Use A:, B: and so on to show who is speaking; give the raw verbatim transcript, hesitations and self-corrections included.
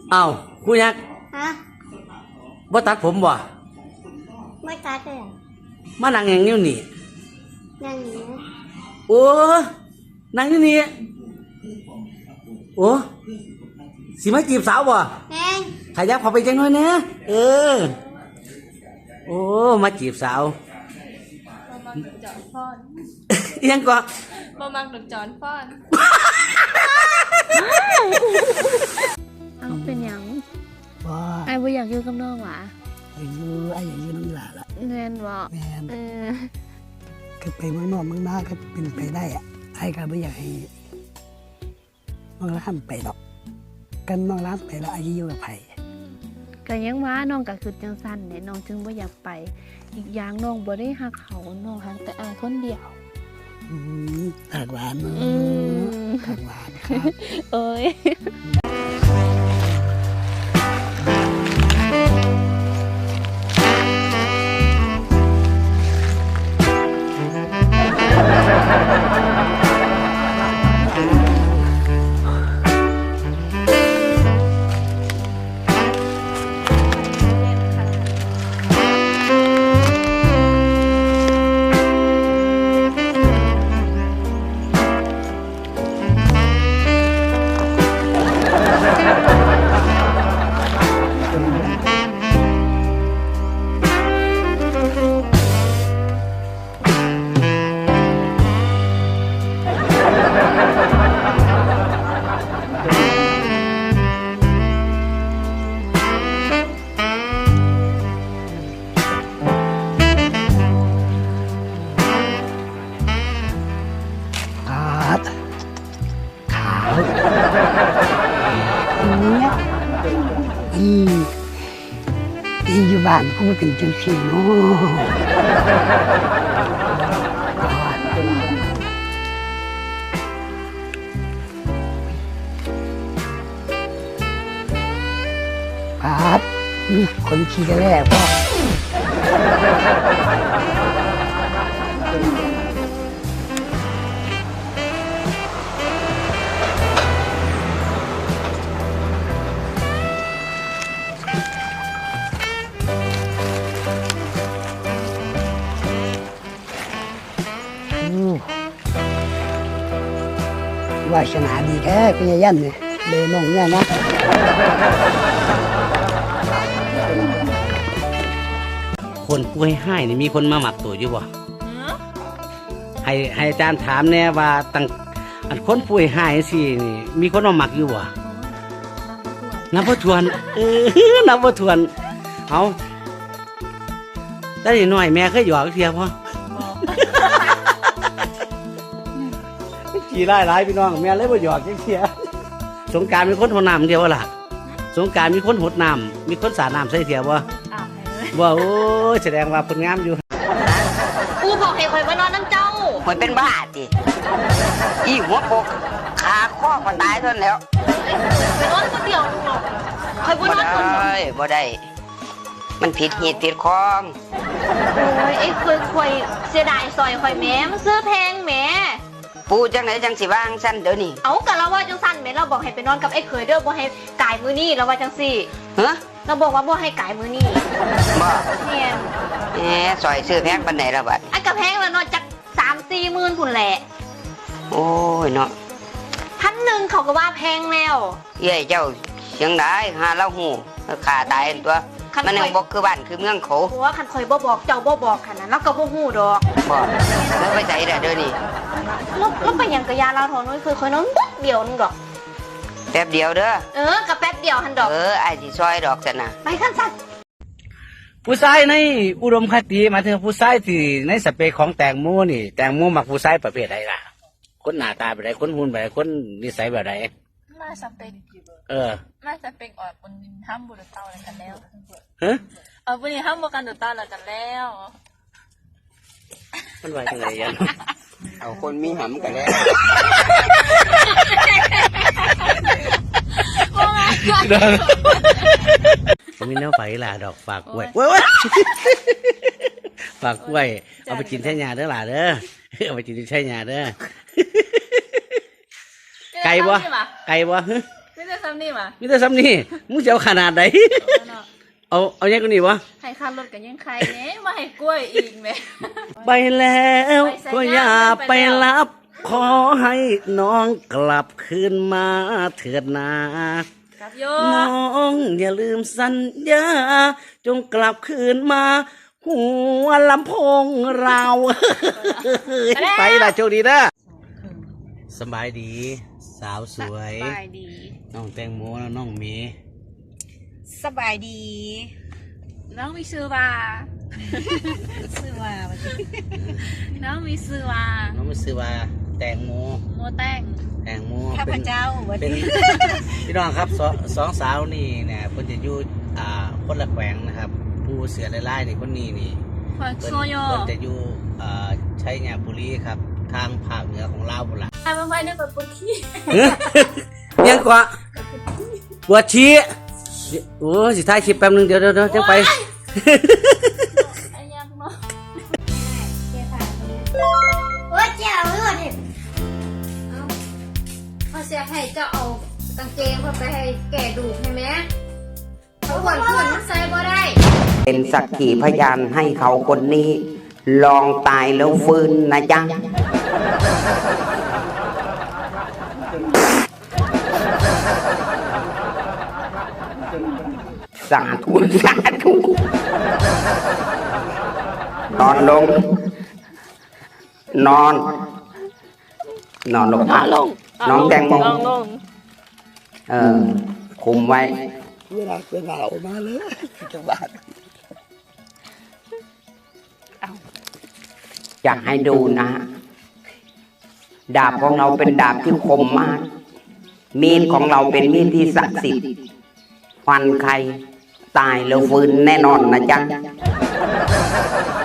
A: อ้าวกูยัก
B: ฮะ
A: บ่ตัดผมบ่
B: ไม่ตัดเลย
A: มานั่งอย่างนี้นี่
B: นั่งอยู่
A: โอ้นั่งอยู่นี่โอ้สิมาจีบสาวบ่
B: แม่
A: ขยับเข้าไปจังหน่อยนะเออโอ้มาจีบสาว
C: บ่มักดอกจอนฟ้อน
A: ยังก็
C: บ่มักดอกจอนฟ้อน
D: เอาเป็นหยัง
E: บ่
D: ไอ้บ่อยากอยู่กับน้องหวะ
E: อยู่ไอ้อย่างนี้น้องหลาละ
D: แม่นบ่
E: แม่น
D: เออ
E: ก็ไปเมืองนอกเมืองนาก็เป็นไปได้อะไอ้ก็ไม่อยากให้น้องร้านไปดอกกันน้องร้านไปแล้วไอ้อยู่กับไผ
D: ก็ยังว่าน้องก็คือจังซั่นเนี่ยน้องจึงบ่อยากไปอีกอย่างน้องบ่ได้ฮักเขาน้องฮักแต่อ้ายคนเดียว
E: อืมปากหวานเนาะปากหวานครับ
D: เอ้ย
E: อีอีอยู่บ้านกูเป็นจังซี่เนาะครับมีคนขี่กันแล้วพ่อวาสนาดีแท้พี่ยันเนี่ยเลยน้องเนี่ยนะ
A: คนป่วยให้นี่มีคนมาหมักตัวอยู่บ่ให้ให้อาจารย์ถามแน่ว่าตั้งอันคนป่วยให้สินี่มีคนมาหมักอยู่บ่นับบ่ถ้วนเออนับบ่ถ้วนเอาแต่น้อยแม่เคยหยอกเทียบ่ขี่ไล่ไล่พี่น้องแม่เลยบ่หยอกจังเทียสงกรานต์มีคนหดน้ำเทียวบ่ล่ะสงกรานต์มีคนหดน้ำมีคนสาดน้ำใส่เทียวบ่ว่าโอ้แสดงว่าผลงามอยู่
B: กูบอกให้คอยมานอนน้ำเจ้า
F: มันเป็นบ้าจิอีหัวโปกขาข้อมันตายทนแล้ว
B: ไปนอนคนเดียวคอยบ่นอนคนเดียว
F: บ่ได้มันผิดเหตุผิดคอง
B: โอ้ยไอ้คอยคอยเสียดายซอยคอยแม่มันซื้อแพงแม่
F: ปูจังไหนจังสิว่างสั้นเดี๋ยวนี้
B: เอากะเราว่าจังสั้นแม่เราบอกให้ไปนอนกับไอ้เคยเด้อบ่ให้กายมือนี่เราว่าจังสี่
F: ฮะ
B: เราบอกว่าบ่ให้กายมือนี่
F: บ่
B: แม่
F: แหมซอยซื้อแพงปานไหนละบัด
B: ไอ้กระแพงแล้วเนาะจักสามสี่หมื่นพุ่นแหละ
F: โอ้ยเนาะ
B: พันหนึ่งเขาก็ว่าแพงแล้ว
F: เย้เจ้าเสียงได้หาเล่าหูขาตายตัวมันยังบอกคือบ้านคือเมืองเขา
B: เพราะว่าคันคอยบ่บอกเจ้าบ่บอกขนาดนั้นเราก็บ่ฮู้ดอก
F: บ่แล้วไปใส่เด้อเดี๋ยวนี้
B: แล้วแล้วไปหยังกะยาเราถอนน้อยคือคอยน้องปุ๊บเดียวนึงดอก
F: แป๊บเดียวเด้อ
B: เออกะแป๊บเดียวหันดอก
F: เออไอ้สิซอยดอกซั่นน่ะ
B: ไปคันสั่น
A: ผู้ชายในอุดมคติมาถึงผู้ชายที่ในสเปคของแตงโมนี่แตงโมมักผู้ชายประเภทใดล่ะคนหน้าตาแบบใดคนหุ่นแบบใดคนนิสัยแบบใด
C: มาสเปก
A: เออ
C: มาสเปกออกบนห้ามบุรุษเต้าอะไรกันแล้ว
A: ฮะ
C: ออกบนห้ามบุกันดุเต้าอะไรกันแล้ว
A: มันว่าจังไงยัน
F: เอาคนมีหำกันแล้ว
A: ผมมีแนวไฟล่ะดอกฝากกล้วยเว้ยฝากกล้วยเอาไปกินแท่ยาเด้อล่ะเด้อเอาไปกินแท่ยาเด้อไก่บ่ไก่บ่
C: ไม่ได้ซ้ำนี่ว่ะ
A: มีแต่ซ้ำนี่มึงจะเอาขนาดไหน เอาเอาแยกกันนี่วะ
C: ให้ค่ารถกันยังใครเน่มาให้กล้วยอีกแหม่
A: ไปแล้วก็อย่าไปรับ ขอให้น้องกลับคืนมาเถิดนา
C: กับโย
A: น้องอย่าลืมสัญญาจงกลับคืนมา หัวลำโพงเรา ไปละโชคดีนะสบายดี สาวสวย
C: สบายดี
A: น้องแตงโมและน้องเมย์
C: สบายดี น้องมีชื่อว่าชื่อว่าน้องมีชื่อว่า
A: น้องไม่ซื้อว่าแตงโม
C: โมแต้ง
A: แตงโม
C: ข้าพ
A: เป็น
C: เจ้าวัน
A: เป็น
C: นี้
A: พี่น้องครับสองสองสาวนี่เนี่ยเพิ่นจะอยู่อ่าคนละแขวงนะครับ ผู้เสือไล่ๆนี่คนนี้นี่
C: ขวัญ
A: เพิ่น
C: โซโย
A: เพิ่นจะอยู่อ่าชัยนาทบุรีครับ ทางภาคเหนือของลาวพุ่นล่ะ
C: ทำไปนึกว่าปุ๊กขี้
A: ยังกว่าปวดชี้โอ้สิท้ายคลิปแป๊บนึงเดี๋ยวเดี๋ยวเดี๋ยวจะไป
C: ไอ้ยังเนาะ
B: โอ้ยเจ้าเลือดเห็นเอาเขาเสียให้เจ้าเอากางเกงเขาไปให้แก่ดูใช่ไหมเขาหวนขึ้นมันใส่บ่ได้
F: เป็นสักขีพยานให้เขาคนนี้ ลองตายแล้วฟื้นนะจ๊ะสาธุสาธุนอนลง นอน นอนลงอ่ะน้องแตงโมเออ คุมไว้
E: เวลาเวลาออกมาเลยจังหวัด
F: อยากให้ดูนะ ดาบของเราเป็นดาบที่คมมาก มีดของเราเป็นมีดที่ศักดิ์สิทธิ์ฟันใครตายแล้วฟื้นแน่นอนนะจ๊ะ